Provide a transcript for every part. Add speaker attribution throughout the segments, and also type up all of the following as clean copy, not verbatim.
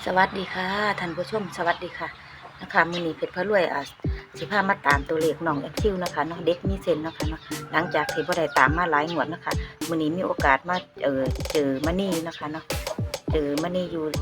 Speaker 1: สวัสดีค่ะท่านผู้ชมสวัสดีค่ะนะคะมื้อนี้เพชรพระรวยสิพามาตามตัวเลขน้องแอคทิวนะคะเนาะเด็กมีเซนนะคะเนาะหลังจากที่บ่ได้ตามมาหลายงวดนะคะมื้อนี้มีโอกาสมาเจอมณีนะคะเนาะเจอมณีอยู่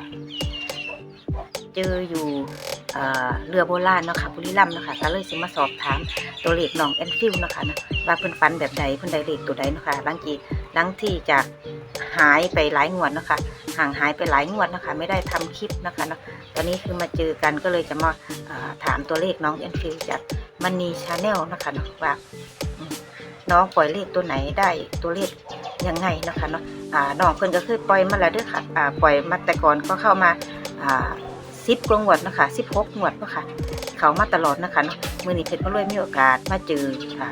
Speaker 1: เจออยู่เรือโบราณเนาะค่ะบุรีรัมย์เนาะค่ะก็เลยสิมาสอบถามตัวเลขน้องแอนฟิลนะคะนะว่าเพิ่นฝันแบบใดเพิ่นได้เลขตัวใดเนาะค่ะหลังที่จากหายไปหลายงวดเนาะค่ะห่างหายไปหลายงวดนะคะไม่ได้ทำคลิปนะคะเนาะตอนนี้คือมาเจอกันก็เลยจะมาถามตัวเลขน้องแอนฟิลจากมันนีชาแนลนะคะเนาะว่าน้องปล่อยเลขตัวไหนได้ตัวเลขยังไงนะคะเนาะน้องเพิ่นก็คือปล่อยมาแล้วด้วยค่ะปล่อยมาแต่ก่อนก็เข้ามา10 กว่างวดนะคะ16 งวดนะคะเขามาตลอดนะคะเนาะมื้อนี้เพชรพระรวยมีโอกาสมาเจอ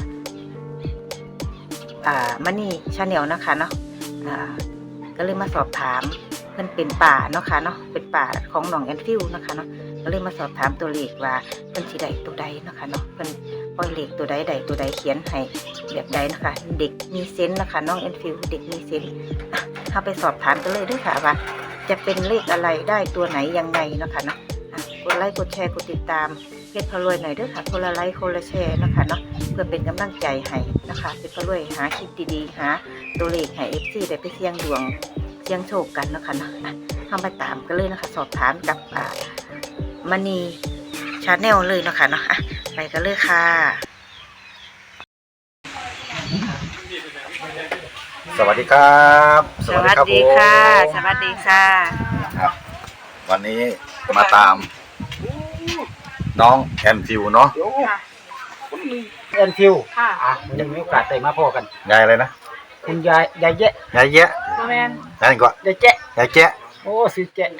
Speaker 1: มันนี่ชาแนลนะคะเนาะก็เลยมาสอบถามเพิ่นเป็นป่าเนาะค่ะเนาะเป็นป่าของน้องแอนฟิลนะคะเนาะก็เลยมาสอบถามตัวเลขว่าเพิ่นสิได้ตัวใดนะคะเนาะเพิ่นปล่อยเลขตัวใดตัวใดเขียนให้แบบใดนะคะเด็กมีเซนส์นะคะน้องแอนฟิลเด็กมีเซนส์เข้าไปสอบถามกันเลยด้วยค่ะว่าจะเป็นเลขอะไรได้ตัวไหนยังไงนะคะเนาะกดไลค์กดแชร์กดติดตามเพชรพระรวยหน่อยด้วยค่ะคนละไลค์คนละแชร์นะคะเนาะเพื่อเป็นกำลังใจให้นะคะเพชรพระรวยหาคลิปดีๆหาตัวเลขให้ FC ได้ไปเสี่ยงดวงเสี่ยงโชคกันนะคะเนาะเข้าไปตามกันเลยนะคะสอบถามกับมณีชาแนลเลยนะคะเนาะไปกันเลยค่ะ
Speaker 2: สวัสดีครับ
Speaker 1: สวัสดีค่ะสวัสดีค่ะ
Speaker 2: ครับวันนี้มาตามน้องแอนฟิวเนาะ
Speaker 3: แอนฟิววันนี้มีโอกาสได้มาพอกัน
Speaker 2: ยายอะไรนะ
Speaker 3: คุณยายแยะ
Speaker 2: ยายแยะ
Speaker 1: แมน
Speaker 2: นั่นก็
Speaker 3: ยายแจ๊ะ
Speaker 2: ยายแจ๊ะ
Speaker 3: โอ้สิแจ๊ะ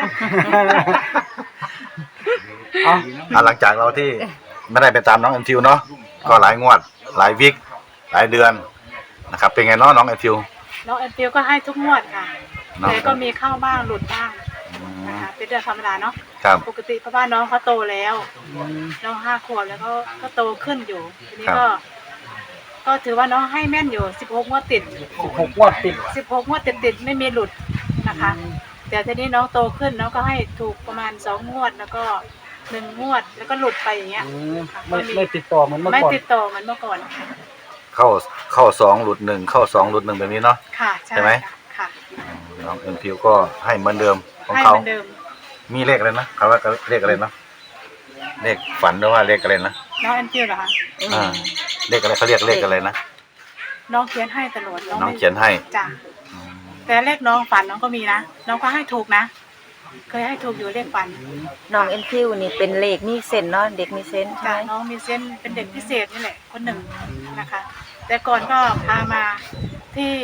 Speaker 2: หลังจากเราที่ไม่ได้ไปตามน้องแอนฟิวเนาะก็หลายงวดหลายวิกหลายเดือนนะครับเป็นไงเนาะน้องแอนฟิว
Speaker 4: น้องแอนฟิลก็ให้ทุกงวดค่ะแต่ก็มีเข้าบ้างหลุดบ้างนะคะเป็นเรื่องธรรมดาเนาะปกติเพราะว่าน้องเขาโตแล้วน้อง5 ขวบแล้วก็โตขึ้นอยู่ทีนี้ก็ถือว่าน้องให้แม่นอยู่16 งวดติด
Speaker 3: 16 งวดติด
Speaker 4: 16 งวดติดไม่มีหลุดนะคะแต่ทีนี้น้องโตขึ้นน้องก็ให้ถูกประมาณ2 งวดแล้วก็1 งวดแล้วก็หลุดไปอย่างเงี้ย
Speaker 3: ไม่ติดต่อเหมือนเมื่อก่อน
Speaker 4: ไม่ติดต่อเหมือนเมื่อก่อน
Speaker 2: เข้า2หลุด1เข้า2หลุด1แบบนี้เนาะ
Speaker 4: ค่ะ
Speaker 2: ใช่ไหม
Speaker 4: ค่ะ
Speaker 2: น้องแอนฟิวก็ให้เหมือนเดิมของเขามีเลขอะไรนะเขาว่าเลขอะไรนะเลขฝันหรือว่าเลขอะไรนะ
Speaker 4: น้องแอนฟิลเหรอคะ
Speaker 2: เลขอะไรเขาเรียกเลขอะไรนะ
Speaker 4: น้องเขียนให้ตลอด
Speaker 2: น้องเขียนให้
Speaker 4: จ้ะแต่เลขน้องฝันน้องก็มีนะน้องก็ให้ถูกนะเคยให้ถูกอยู่เลขฝัน
Speaker 1: น้องแอนฟิลนี่เป็นเลขมีเซนเนาะเด็กมีเซนใช่
Speaker 4: น้องมีเซนเป็นเด็กพิเศษนี่แหละคนหนึ่งนะคะแต่ก่อนก็พามาที่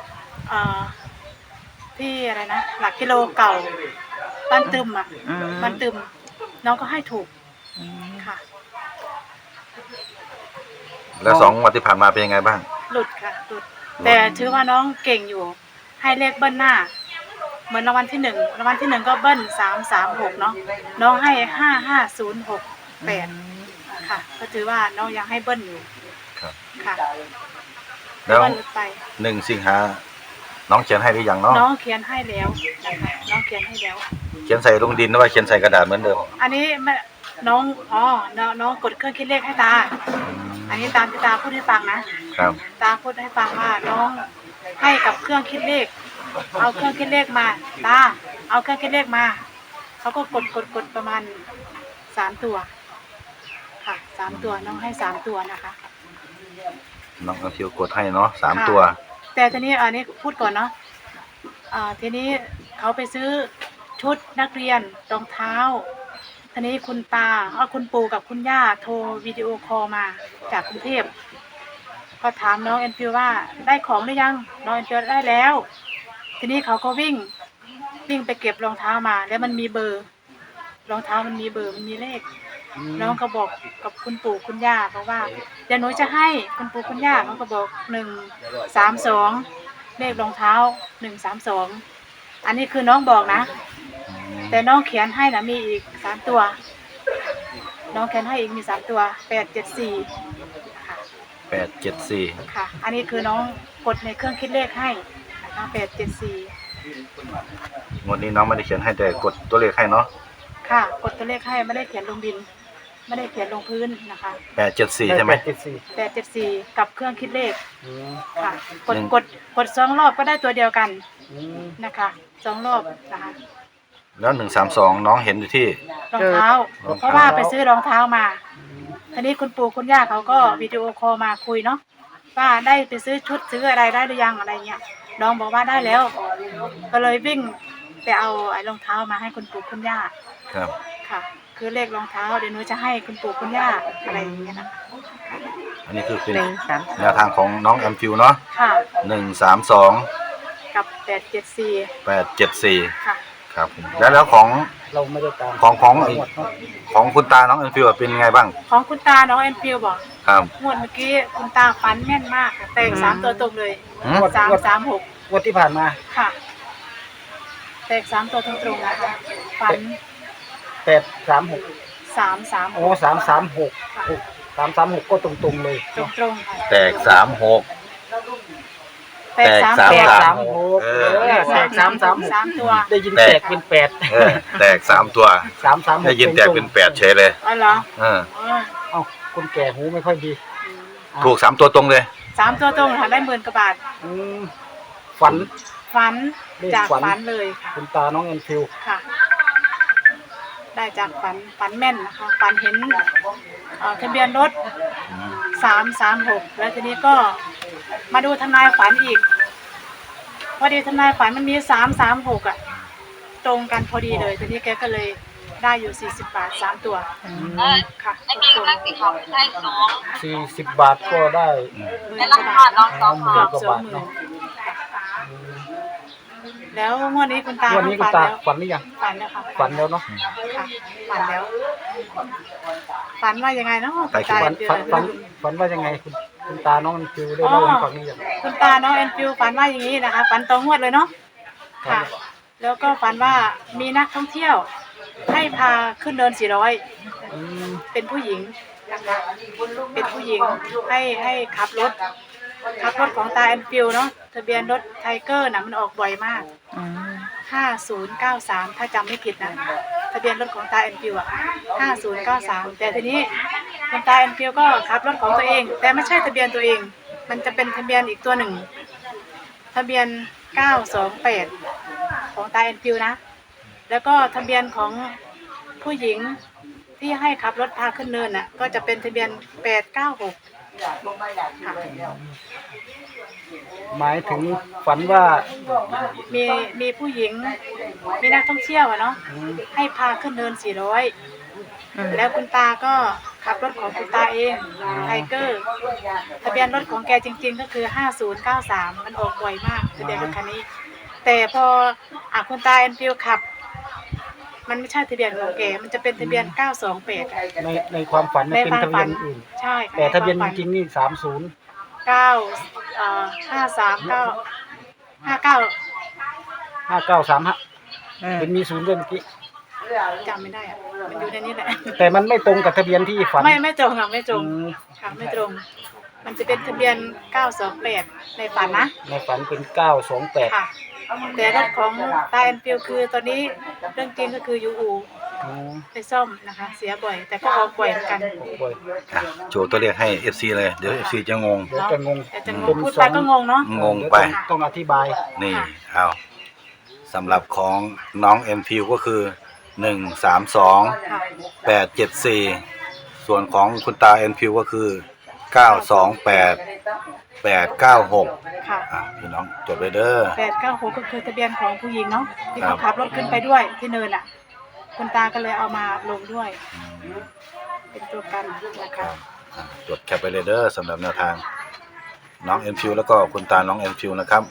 Speaker 4: อะไรนะหลักกิโลเก่าบ้านตึมบ้านตึมน้องก็ให้ถูกค่ะ
Speaker 2: แล้ว2 งวดที่ผ่านมาเป็นยังไงบ้าง
Speaker 4: หลุดค่ะหลุดแต่ถือว่าน้องเก่งอยู่ให้เลขเบิ้ลหน้าเหมือนรางวัลที่1รางวัลที่1ก็เบิ้ล336เนาะน้องให้55068ค่ะก็ถือว่าน้องยังให้เบิ้ลอยู่
Speaker 2: ครับ
Speaker 4: ค่ะ
Speaker 2: แล้ว1 สิงหาน้องเขียนให้หรือยังเนาะ
Speaker 4: น้องเขียนให้แล้วนะคะน้องเขียนให้แล้ว
Speaker 2: เขียนใส่ลงดินหรือว่าเขียนใส่กระดาษเหมือนเดิม
Speaker 4: อันนี้น้องกดเครื่องคิดเลขให้ตาอันนี้ตามที่ตาพูดให้ฟังนะครับตาพูดให้ฟังว่าน้องให้กับเครื่องคิดเลขเอาเครื่องคิดเลขมาตาเอาเครื่องคิดเลขมาเขาก็กดประมาณ3 ตัวค่ะ3 ตัวน้องให้3 ตัวนะคะ
Speaker 2: น้องเอาคิวกดให้เนาะ3 ตัว
Speaker 4: แต่ทีนี้อันนี้พูดก่อนเนาะทีนี้เขาไปซื้อชุดนักเรียนรองเท้าทีนี้คุณปู่กับคุณย่าโทรวิดีโอคอลมาจากกรุงเทพก็ถามน้องแอนฟิลว่าได้ของหรือยังน้องแอนฟิลได้แล้วทีนี้เขาก็วิ่งไปเก็บรองเท้ามาแล้วมันมีเบอร์รองเท้ามันมีเบอร์มันมีเลขน้องก็บอกกับคุณปู่คุณย่าบอกว่าเดี๋ยวหนูจะให้คุณปู่คุณย่าเขาก็บอก132เลขรองเท้า132อันนี้คือน้องบอกนะแต่น้องเขียนให้นะมีอีก3 ตัวน้องเขียนให้อีกมี3 ตัว874ค่ะ
Speaker 2: 874
Speaker 4: ค่ะอันนี้คือน้องกดในเครื่องคิดเลขให้นะคะ874
Speaker 2: งวดนี้น้องไม่ได้เขียนให้แต่กดตัวเลขให้เนาะ
Speaker 4: ค่ะกดตัวเลขให้ไม่ได้เขียนลงดิน ไม่ได้เขียนลงพื้นนะคะ
Speaker 2: 874ใช่ไหม
Speaker 4: 874กับเครื่องคิดเลข
Speaker 3: อืม
Speaker 4: ค่ะกด
Speaker 2: หนึ่ง
Speaker 4: กด2รอบก็ได้ตัวเดียวกัน
Speaker 3: อืม
Speaker 4: นะคะ2รอบนะคะ
Speaker 2: แล้ว132น้องเห็นอยู่ที่
Speaker 4: รองเท้า
Speaker 2: รองเท้า
Speaker 4: เพราะว่าไปซื้อรองเท้ามาทีนี้คุณปู่คุณย่าเขาก็วิดีโอคอลมาคุยเนาะว่าได้ไปซื้อชุดซื้ออะไรได้หรือยังอะไรเงี้ยน้องบอกว่าได้แล้ว ก็เลยวิ่งไปเอาไอ้รองเท้ามาให้คุณปู่คุณย่า
Speaker 2: ครับ
Speaker 4: ค่ะ คือเลขรองเท้าเดี๋ยวหนูจะให้คุณปู่คุณย่าอะไรอย่างเงี้ยนะ
Speaker 2: อันนี้คือเป็น
Speaker 1: 1
Speaker 2: แนวทางของน้องแอมฟิวเนาะ
Speaker 4: ค่ะ
Speaker 2: 132
Speaker 4: กับ874
Speaker 2: 874
Speaker 4: ค่ะ
Speaker 2: ครับผมแล้วของ
Speaker 3: เราไม่ได้ตาม
Speaker 2: ของ
Speaker 3: หมดเนาะ
Speaker 2: ของคุณตาน้องแอมฟิวเป็นไงบ้าง
Speaker 4: ของคุณตาน้องแอนฟิลบอก
Speaker 2: ครับ
Speaker 4: งวดเมื่อกี้คุณตาฝันแม่นมากค่ะแต่ง3ตัวตรงเลย
Speaker 2: หืม
Speaker 4: 336
Speaker 3: งวดที่ผ่านมา
Speaker 4: ค่ะแตก3ตัวตรงๆนะคะฝัน
Speaker 3: 836
Speaker 4: 336
Speaker 3: โอ้336 336ก็ตรงๆเลย
Speaker 4: ตรงๆค่ะ
Speaker 2: แตก36
Speaker 4: แตก3
Speaker 2: แต
Speaker 4: ตัว
Speaker 2: ก
Speaker 3: 36
Speaker 2: เออ
Speaker 3: แตก336
Speaker 4: 3ตัว
Speaker 3: ได้ยินแตกเป็น8
Speaker 2: เออแตก3ตัว
Speaker 3: 336
Speaker 2: ได้ยินแตกเป็น8เฉยเลย
Speaker 4: อ๋อเหรอ
Speaker 2: เออ
Speaker 4: อ๋อ
Speaker 3: เอ้าคนแก่หูไม่ค่อยดี
Speaker 2: ถูก3ตัวตรงเลย
Speaker 4: 3ตัวตรงค่ะได้10,000กว่าบาท
Speaker 3: อืมฝัน
Speaker 4: ฝัน
Speaker 3: เลข
Speaker 4: จาก
Speaker 3: ฝัน
Speaker 4: ฝันเลยค่ะ
Speaker 3: คุณตาน้องแอนฟิล
Speaker 4: ค่ะ ได้จากฝันแม่นนะคะฝันเห็นทะเบียนรถ336แล้วทีนี้ก็มาดูทนายฝันอีกพอดีทนายฝันมันมี336อ่ะตรงกันพอดีเลยทีนี้แกก็เลยได้อยู่40 บาท3ตัวค่ะตรงๆ
Speaker 3: 40 บาทก็ได้
Speaker 4: 10,000 กว่าบาทเนาะ
Speaker 3: 10,000
Speaker 4: เกือบ
Speaker 3: กว่าบาท
Speaker 4: 20,000
Speaker 3: เนาะ
Speaker 4: แล้วงวดนี้คุณตา
Speaker 3: วันนี้คุณ
Speaker 4: ฝั
Speaker 3: ตา
Speaker 4: แล้ว
Speaker 3: ฝันหรือยัง
Speaker 4: ฝันแล้วค่ะ
Speaker 3: ฝันแล้วเนาะ
Speaker 4: ค่ะฝันแล้วฝันว่ายังไงเนาะคุณตา
Speaker 3: ฝัน
Speaker 4: เดือ
Speaker 3: ฝันว่ายังไงคุณตาน้องแอนฟิลได้เล่าให้ฟังหรือยัง
Speaker 4: คุณตาน้องแอนฟิวฝันว่าอย่างนี้นะคะฝันตรงงวดเลยเนาะค่ะ แล้วก็ฝันว่ามีนักท่องเที่ยว ให้พาขึ้นเนิน400
Speaker 3: อืม
Speaker 4: เป็นผู้หญิงนะคะเป็นผู้หญิงให้ขับรถของตาแอนฟิวเนาะทะเบียนรถไทเกอร์นะมันออกบ่อยมาก 5093ถ้าจำไม่ผิดนะทะเบียนรถของตาแอนฟิวอ่ะ5093แต่ทีนี้คุณตาแอนฟิวก็ขับรถของตัวเอง แต่ไม่ใช่ทะเบียนตัวเอง มันจะเป็นทะเบียนอีกตัวหนึ่งทะเบียน928ของตาแอนฟิวนะแล้วก็ทะเบียนของผู้หญิงที่ให้ขับรถพาขึ้นเนินน่ะก็จะเป็นทะเบียน896ค่ะ
Speaker 3: หมายถึงฝันว่า
Speaker 4: มีผู้หญิงมีนักท่องเที่ยวอะเนาะให้พาขึ้นเนิน400แล้วคุณตาก็ขับรถของคุณตาเองไทเกอร์ทะเบียนรถของแกจริงๆก็คือ5093มันออกบ่อยมากทะเบียนรถคันนี้ แต่พอคุณตาแอนฟิลขับ มันไม่ใช่ทะเบียนของแกมันจะเป็นทะเบียน928อะ
Speaker 3: ในความฝันเนี่ยเป็นทะเบียนอื่น
Speaker 4: ใช่ค่ะ
Speaker 3: แต่ทะเบียน
Speaker 4: ใควา
Speaker 3: จ
Speaker 4: มฝั
Speaker 3: ริงๆนี่30 5935เป็นมีศูนย์ด้วยเมื่อกี้
Speaker 4: จำไม่ได้อะมันอยู่ในนี้แหละ
Speaker 3: แต่มันไม่ตรงกับทะเบียนที่ฝัน
Speaker 4: ไม่ตรงค่ะไม่ตรง
Speaker 3: อืม
Speaker 4: ค่ะไม่ตรง มันจะเป็นทะเบียน928ในฝันนะ
Speaker 3: ในฝันเป็น928
Speaker 4: ค่ะ แต่รถของตาแอนฟิลคือตอนนี้เรื่องจริงก็คือยูอู
Speaker 3: อืม
Speaker 4: ไปซ่อมนะคะ เสียบ่อย แต่ก็ออกบ่อยเหมือนกัน
Speaker 3: บ่อย
Speaker 2: อ่ะโชว์ตัวเลขให้ FC เลย เดี๋ยว FC จะงง
Speaker 3: เดี๋ยวจะงง
Speaker 4: แต่จะง
Speaker 3: เป็
Speaker 4: ง
Speaker 3: น
Speaker 4: พูด
Speaker 3: ส
Speaker 4: ไป
Speaker 3: อง
Speaker 4: ก็งงเนาะ
Speaker 2: งงไป
Speaker 3: ต้องอธิบาย
Speaker 2: นี่
Speaker 4: ค่ะ
Speaker 2: เอาสำหรับของน้องแอมฟิวก็คือ132
Speaker 4: ค่ะ
Speaker 2: 874ส่วนของคุณตาแอมฟิวก็คือ928 896
Speaker 4: ค่ะ
Speaker 2: พี่น้องจดไว้เด้อ
Speaker 4: 896ก็คือทะเบียนของผู้หญิงเนาะที่
Speaker 2: ครั
Speaker 4: เขา
Speaker 2: บ
Speaker 4: ขับรถขึ้นไปด้วยที่เนินอ่ะ คุณตาก็เลยเอามาลงด้วย เป็นตัวกันนะคะ
Speaker 2: จดแคปไปเลยเด้อสำหรับแนวทางน้องแอมฟิวแล้วก็คุณตาน้องแอมฟิวนะครับ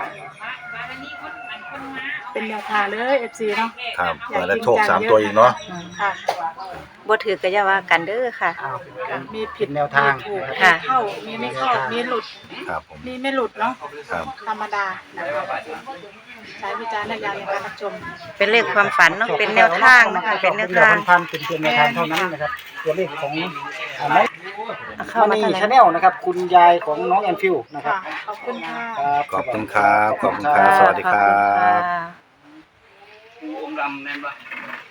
Speaker 4: เป็นแนวทางเลย FC เนาะ
Speaker 2: ครับเปิดแล้วโชค3ตัวอีกเนาะ
Speaker 4: ค่ะ
Speaker 1: บ่ถือก็อย่าว่ากันเด้อค่ะ
Speaker 3: อ้าว
Speaker 4: ค่ะมีผิด
Speaker 3: แนวทาง
Speaker 4: มีถูก
Speaker 1: ค่ะ
Speaker 4: มีเข้ามีไม่เข้ามีหลุด
Speaker 2: ครับผม
Speaker 4: มีไม่หลุดเนาะ
Speaker 2: ครับ
Speaker 4: ธรรมดานะคะใช้วิจารณญาณในการรับชม
Speaker 1: เป็นเลขความฝันเนาะเป็นแนวทางนะคะเป็นแนวทาง
Speaker 3: พันเป็นเพียงแนวทางเท่านั้นนะครับตัวเลขของอันนั้น
Speaker 1: เข้ามา
Speaker 3: นี่
Speaker 1: ทางไหน
Speaker 3: ชาแนลนะครับ คุณยายของน้องแอนฟิวนะครับ
Speaker 4: ค่ะขอบคุณค่ะ
Speaker 2: ขอบคุณครับขอบคุณครับสวัสดีครั
Speaker 1: ขอบคุณ
Speaker 2: บ
Speaker 1: ค่ะ
Speaker 5: องค์ดำแน่นปะ